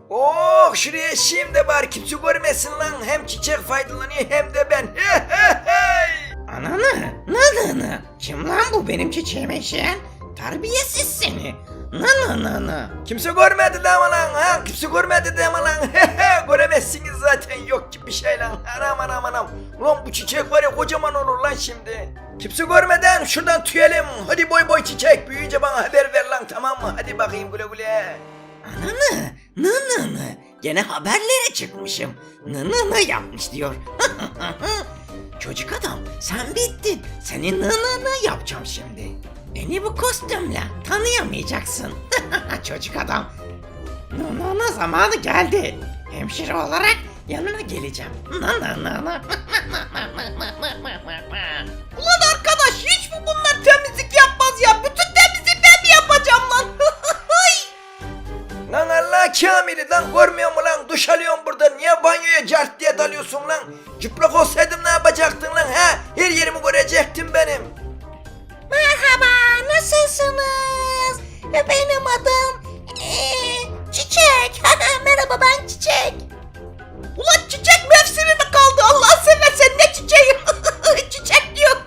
Oh şuraya şimdi bari kimse görmesin lan. Hem çiçek faydalanıyor hem de ben. Ananı, nananı. Kim lan bu benim çiçeğime işeyen? Terbiyesiz seni. Nananı. Kimse görmedi de ama lan ha. Kimse görmedi de ama lan. Göremezsiniz zaten, yok gibi bir şey lan. Anam. Ulan bu çiçek var ya, kocaman olur lan şimdi. Kimse görmeden şuradan tüyelim. Hadi boy çiçek. Büyüyünce bana haber ver lan, tamam mı? Hadi bakayım, güle güle. Ananı, nananı. Gene haberlere çıkmışım. Nananı yapmış diyor. Çocuk adam, sen bittin. Senin nananı yapacağım şimdi. Beni bu kostümle tanıyamayacaksın. Çocuk adam. Nanana zamanı geldi. Hemşire olarak yanına geleceğim. Nanana. Ulan arkadaş, hiç mi bunlar temizlik yapmaz ya? Bütün temizliği ben mi yapacağım lan? Lan Allah Kamil'i lan, görmüyor mu lan? Duş alıyorum burada. Niye banyoya cart diye dalıyorsun lan? Çıplak olsaydım ne yapacaktın lan ha? Her yerimi görecektin benim. Merhaba, nasılsınız? Benim adım Çiçek. Merhaba, ben Çiçek. Ulan çiçek mevsimi mi kaldı? Allah seversen ne çiçeği? Çiçek diyor.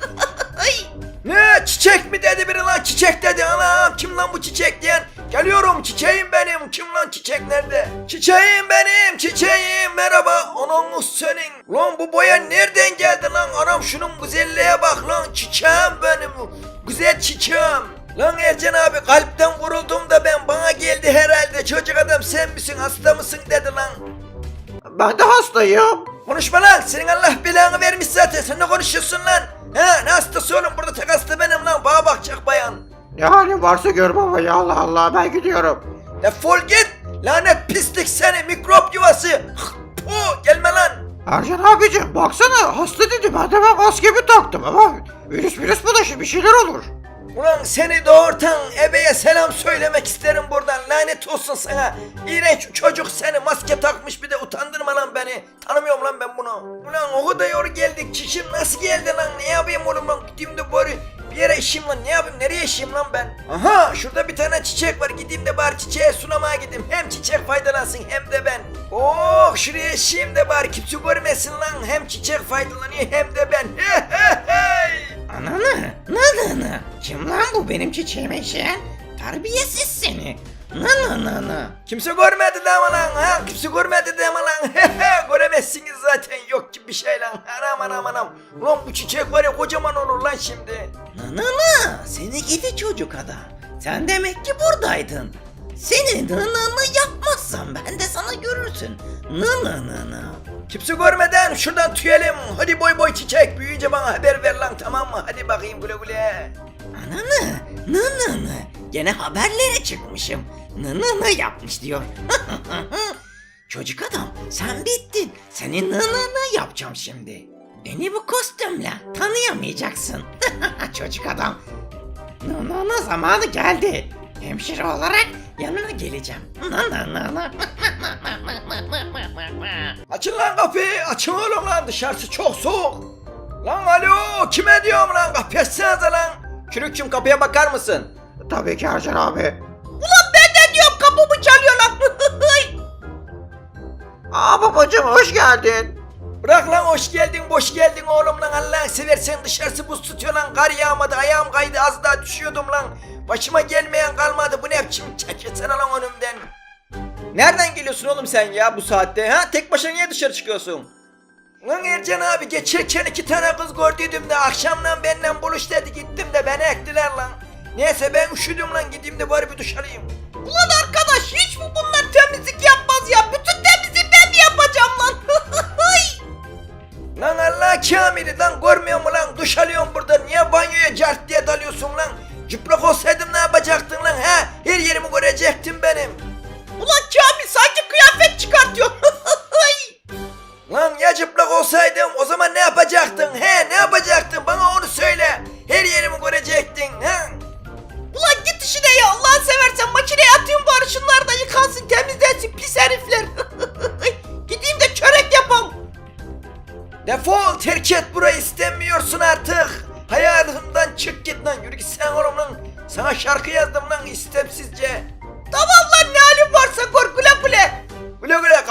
Ne çiçek mi dedi biri lan? Çiçek dedi. Anam, kim lan bu çiçek diyen? Geliyorum, çiçeğim benim. Kim lan, çiçek nerede? Çiçeğim benim, çiçeğim. Merhaba. Anam senin. Lan bu boya nereden geldi lan? Anam şunun güzelliğe bak lan. Çiçeğim benim. Güzel çiçeğim. Lan Ercan abi, kalpten vuruldum da ben, bana geldi herhalde. Çocuk adam sen misin, hasta mısın dedi lan. Ben de hastayım. Konuşma lan, senin Allah belanı vermiş zaten. Sen ne konuşuyorsun lan? Ha, ne hastası oğlum, burada tek hasta benim lan. Bana bakacak bayan. Ne halin varsa gör baba ya, Allah Allah, ben gidiyorum. Defol git. Lanet pislik seni, mikrop yuvası. Puh, gelme lan. Ercan abicim baksana, hasta dedi, ben de maskemi taktım ama virüs bulaşır, bir şeyler olur. Ulan seni doğurtan ebeye selam söylemek isterim buradan. Lanet olsun sana. İğrenç çocuk seni, maske takmış, bir de utandırma lan beni. Tanımıyorum lan ben bunu. Ulan o kadar yol geldik. Çişim nasıl geldi lan? Ne yapayım oğlum lan? Gideyim de bari bir yere işeyim lan. Ne yapayım? Nereye işeyim lan ben? Aha, şurada bir tane çiçek var. Gideyim de bari çiçeğe sulamaya gideyim. Hem çiçek faydalansın hem de ben. Oh şuraya işeyim de bari kimse görmesin lan. Hem çiçek faydalanıyor hem de ben. Ananı, nananı. Kim lan bu benim çiçeğime işeyen? Terbiyesiz seni. Nananı. Kimse görmedi de ama lan ha. Kimse görmedi de ama lan. Göremezsiniz zaten, yok gibi bir şey lan. Anam. Ulan bu çiçek var ya, kocaman olur lan şimdi. Nananı, seni gidi çocuk adam. Sen demek ki buradaydın. Seni nananı yapmazsam ben de sana görürsün. Nananı. Kimse görmeden şuradan tüyelim. Hadi boy çiçek. Büyüyünce bana haber ver lan, tamam mı? Hadi bakayım, güle güle. Ananı, nananı. Gene haberlere çıkmışım. Nananı yapmış diyor. Çocuk adam, sen bittin. Senin nananı yapacağım şimdi. Beni bu kostümle tanıyamayacaksın. Çocuk adam. Nananı zamanı geldi. Hemşire olarak yanına geleceğim. Nananı. Açın lan kapıyı. Açın oğlum lan, dışarısı çok soğuk. Lan alo, kime diyorum lan? Kapıyı açsanıza lan. Çürükçüm, kapıya bakar mısın? Tabii ki Ercan abi. Ulan ben de diyorum, kapımı çalıyorlar. Aa babacım, hoş geldin. Bırak lan hoş geldin boş geldin oğlum lan, Allah'ını seversen, dışarısı buz tutuyor lan, kar yağmadı, ayağım kaydı, az daha düşüyordum lan. Başıma gelmeyen kalmadı, bu ne biçim, çekilsene lan önümden. Nereden geliyorsun oğlum sen ya bu saatte ha? Tek başına niye dışarı çıkıyorsun? Lan Ercan abi, geçerken 2 tane kız gördüydüm de akşamdan benden buluş dedi, gittim de beni ektiler lan. Neyse ben üşüdüm lan, gideyim de bari bir duş alayım. Ulan arkadaş, hiç mi bunlar temizlik yapmaz ya? Bütün temizliği ben mi yapacağım lan? Lan Allah Kamil'i lan, görmüyor mu lan? Duş alıyorum burada. Niye banyoya cart diye dalıyorsun lan? Çıplak olsaydım ne yapacaktın lan ha? Her yerimi görecektin benim. Ulan Kamil sanki kıyafet çıkartıyor. Lan ya çıplak olsaydım, o zaman ne yapacaktın he? Ne yapacaktın? Bana onu söyle. Her yerimi görecektin ha? Ulan git işine ya, Allah'ını seversen makineye atayım bari, şunlar da yıkansın, temizlensin pis herifler. Gideyim de çörek yapam. Defol, terk et burayı, istemiyorsun artık. Hayatımdan çık git lan, yürü git sen oğlum lan. Sana şarkı yazdım lan istemsizce. Tamam lan, ne halin varsa gör, güle güle.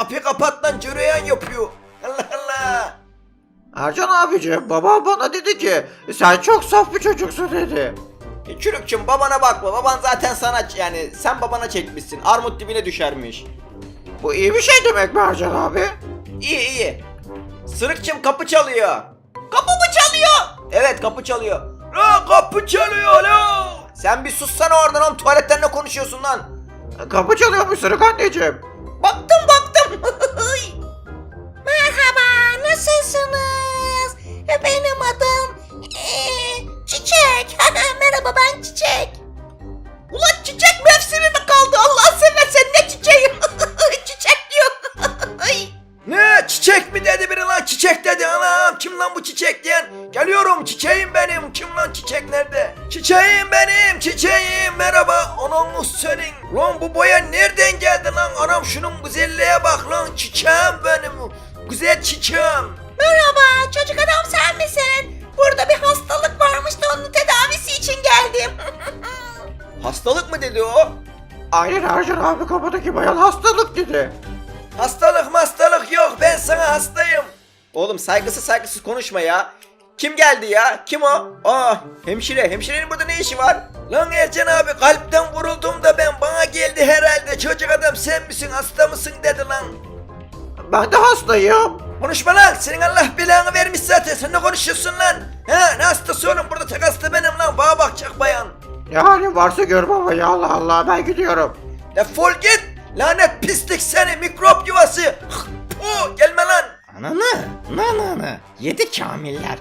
kapıyı kapat lan, cüreyan yapıyor. Allah Allah. Ercan abicim babam bana dedi ki sen çok saf bir çocuksun dedi. Çürükçüm babana bakma. Baban zaten sana yani sen babana çekmişsin. Armut dibine düşermiş. Bu iyi bir şey demek mi Ercan abi? İyi iyi. Sırıkçım kapı çalıyor. Kapı mı çalıyor? Evet kapı çalıyor. Lan kapı çalıyor lan. Sen bir sussana oradan oğlum, tuvaletten ne konuşuyorsun lan? Kapı çalıyormuş Sırık anneciğim. Baktım. Merhaba, nasılsınız? Benim adım Çiçek. Merhaba, ben Çiçek. Ulan çiçek mevsimi mi kaldı? Allah seversen ne çiçeği? Çiçek diyor. Ay. Ne çiçek mi dedi biri lan, çiçek dedi. Anam kim lan bu çiçek diyen? Geliyorum, çiçeğim benim. Kim lan çiçek, nerede? Çiçeğim benim, çiçeğim, merhaba. Anam senin. Lan bu boya nereden geldi lan? Anam şunun güzelliğe bak lan, çiçeğim benim. Güzel çiçeğim. Merhaba, çocuk adam sen misin? Burada bir hastalık varmış da onun tedavisi için geldim. Hastalık mı dedi o? Aynen Ercan abi kapıdaki bayan hastalık dedi. Hastalık yok, ben sana hastayım. Oğlum saygısız konuşma ya. Kim geldi ya? Kim o? Aa hemşire. Hemşirenin burada ne işi var? Lan Ercan abi, kalpten vuruldum da ben, bana geldi herhalde. Çocuk adam sen misin, hasta mısın dedi lan. Ben de hastayım. Konuşma lan, senin Allah belanı vermiş zaten, sen ne konuşuyorsun lan? Ha, ne hastası oğlum, burada tek hasta benim lan, bana bakacak bayan. Ne halin varsa gör baba ya, Allah Allah, ben gidiyorum. Defol git, lanet pislik seni, mikrop yuvası. Puh, gelme lan. Nananı, yedi kamiller.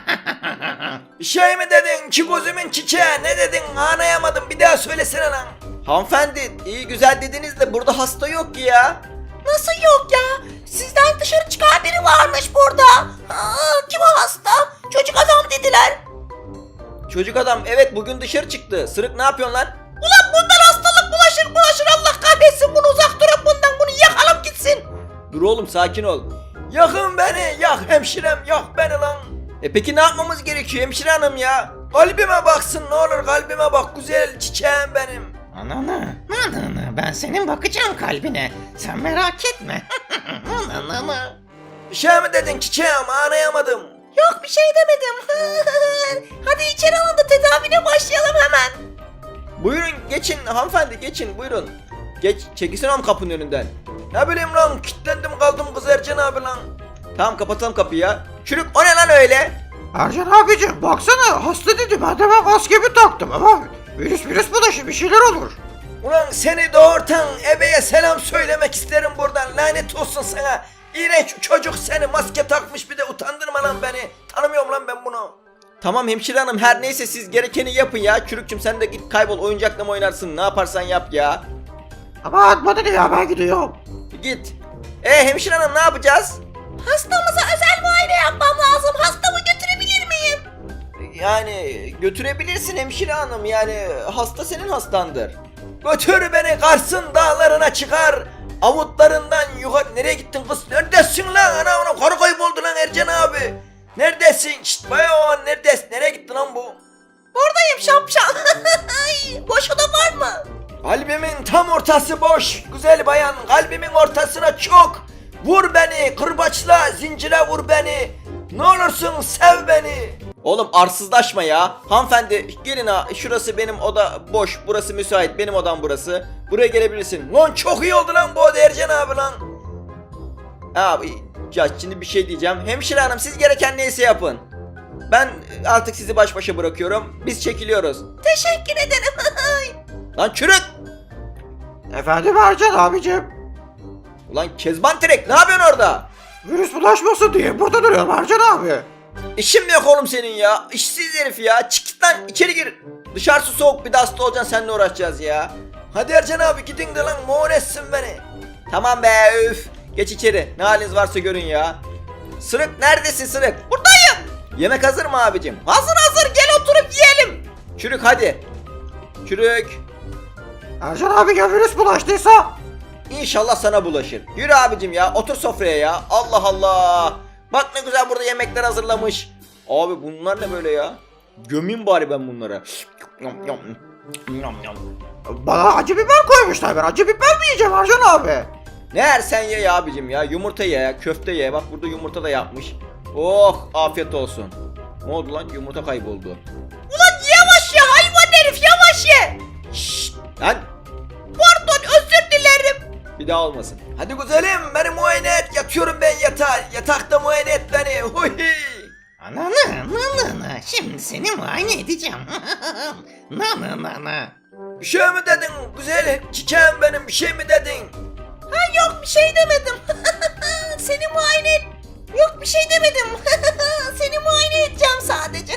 Bir şey mi dedin ki gözümün çiçeği, ne dedin anlayamadım, bir daha söylesene lan. Hanımefendi iyi güzel dediniz de burada hasta yok ki ya. Nasıl yok ya? Sizden dışarı çıkan biri varmış burada. Kim o hasta? Çocuk adam dediler. Çocuk adam evet bugün dışarı çıktı. Sırık ne yapıyorsun lan? Ulan bundan hastalık bulaşır Allah kahretsin, bunu uzak durun bundan, bunu yakalım gitsin. Dur oğlum sakin ol. Yakın beni, yak hemşirem, yak beni lan. Peki ne yapmamız gerekiyor hemşire hanım ya? Kalbime baksın ne olur, kalbime bak, güzel çiçeğim benim. Nananı, ben senin bakacağım kalbine. Sen merak etme. Nananı. Bir şey mi dedin çiçeğim, anlayamadım. Yok bir şey demedim. Hadi içeri alın da tedavine başlayalım hemen. Buyurun geçin hanımefendi geçin buyurun. Geç çekilsene oğlum kapının önünden. Ne bileyim lan, kilitlendim kaldım kız Ercan abi lan. Tamam kapatalım kapıyı ya. Çürük o ne lan öyle? Ercan abicim baksana hasta dedi, ben de maskemi taktım ama virüs bulaşır, bir şeyler olur. Ulan seni doğurtan ebeye selam söylemek isterim buradan, lanet olsun sana. İğrenç çocuk seni, maske takmış bir de, utandırma lan beni. Tanımıyorum lan ben bunu. Tamam hemşire hanım her neyse siz gerekeni yapın ya. Çürükçüm sen de git kaybol oyuncakla mı oynarsın ne yaparsan yap ya. Ama bana ne ya, ben gidiyorum. Git. Hemşire hanım ne yapacağız? Hastamıza özel muayene yapmam lazım. Hastamı götürebilir miyim? Yani götürebilirsin hemşire hanım yani hasta senin hastandır. Götür beni Kars'ın dağlarına çıkar. Avutlarından yukarı, nereye gittin kız? Neredesin lan? Ana karı kayboldu lan Ercan abi. Neredesin? Şşt bayağı neredesin? Nereye gitti lan bu? Buradayım şapşal. Boş oda var mı? Kalbimin tam ortası boş. Güzel bayan, kalbimin ortasına çok. Vur beni, kırbaçla, zincire vur beni. Ne olursun sev beni. Oğlum arsızlaşma ya. Hanımefendi gelin ha şurası benim oda boş burası müsait benim odam burası. Buraya gelebilirsin. Lan çok iyi oldu lan bu oda Ercan abi lan. Abi ya şimdi bir şey diyeceğim. Hemşire hanım siz gereken neyse yapın. Ben artık sizi baş başa bırakıyorum. Biz çekiliyoruz. Teşekkür ederim. Lan çürük. Efendim Ercan abicim, Ulan Kezban Tirek ne yapıyorsun orada? virüs bulaşmasın diye burada duruyorum Ercan abi. İşin mi yok oğlum senin ya? İşsiz herif ya. Çık git lan içeri gir. Dışarısı soğuk bir de hasta olacaksın seninle uğraşacağız ya. Hadi Ercan abi gidin de lan, moğol etsin beni. Tamam be üf. Geç içeri. Ne haliniz varsa görün ya. Sırık neredesin Sırık? Buradayım. Yemek hazır mı abicim? Hazır gel oturup yiyelim. Çürük hadi. Çürük. Ercan abi ya virüs bulaştıysa? İnşallah sana bulaşır. Yürü abicim ya otur sofraya ya. Allah Allah. Bak ne güzel burada yemekler hazırlamış. Abi bunlar ne böyle ya? Gömeyim bari ben bunlara. Bana acı biber koymuşlar, ben acı biber mi yiyeceğim Ercan abi? Ne yersen ye ya abicim ya. Yumurta ye ya, köfte ye. Bak burada yumurta da yapmış. Oh afiyet olsun. Ne oldu lan? Yumurta kayboldu. Ulan yavaş ya hayvan herif yavaş ye. Şşt lan. Pardon özür dilerim. Bir daha olmasın. Hadi güzelim beni muayene et. Yatıyorum ben yatağa. Yatakta muayene et beni. Huy. Nanı şimdi seni muayene edeceğim. Nanı. Bir şey mi dedin güzel çiçeğim benim bir şey mi dedin? Ha yok bir şey demedim. Seni muayene et. Yok bir şey demedim. Seni muayene edeceğim sadece.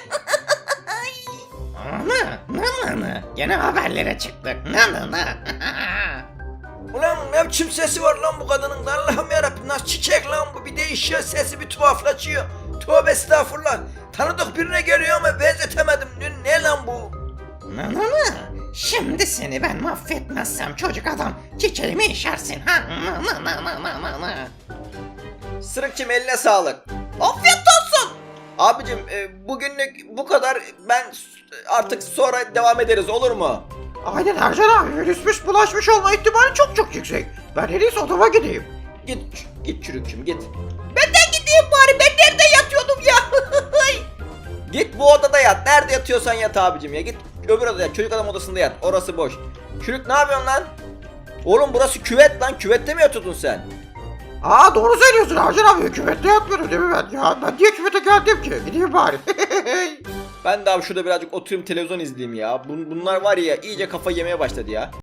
Nanı. Gene haberlere çıktık. Nanı. Ulan ne biçim sesi var lan bu kadının da Allah'ım yarabbim nasıl çiçek lan bu bir değişiyor sesi bir tuhaflaşıyor. Tövbe estağfurullah. Tanıdık birine geliyor ama benzetemedim. Ne lan bu? Nanı. Şimdi seni ben mahvetmezsem çocuk adam çiçeğimi işersin. Ha? Nanı. Sırıkçım eline sağlık. Afiyet olsun. Abicim bugünlük bu kadar. Ben artık sonra devam ederiz olur mu? Aynen Ercan abi virüsmüş bulaşmış olma ihtimali çok yüksek. Ben en iyisi odama gideyim. Git çürükçüm git. Ben de gideyim bari ben nerede yatıyordum ya. Git bu odada yat. Nerede yatıyorsan yat abicim ya. Git öbür odaya yat. Çocuk adam odasında yat. Orası boş. Çürük ne yapıyorsun lan? Oğlum burası küvet lan. Küvette mi yatıyordun sen? Aa doğru söylüyorsun Ercan abi küvette yatmıyorum değil mi ben? Ya ben niye küvete geldim ki? Gideyim bari. Ben de abi şurada birazcık oturayım televizyon izleyeyim ya. Bunlar var ya iyice kafa yemeye başladı ya.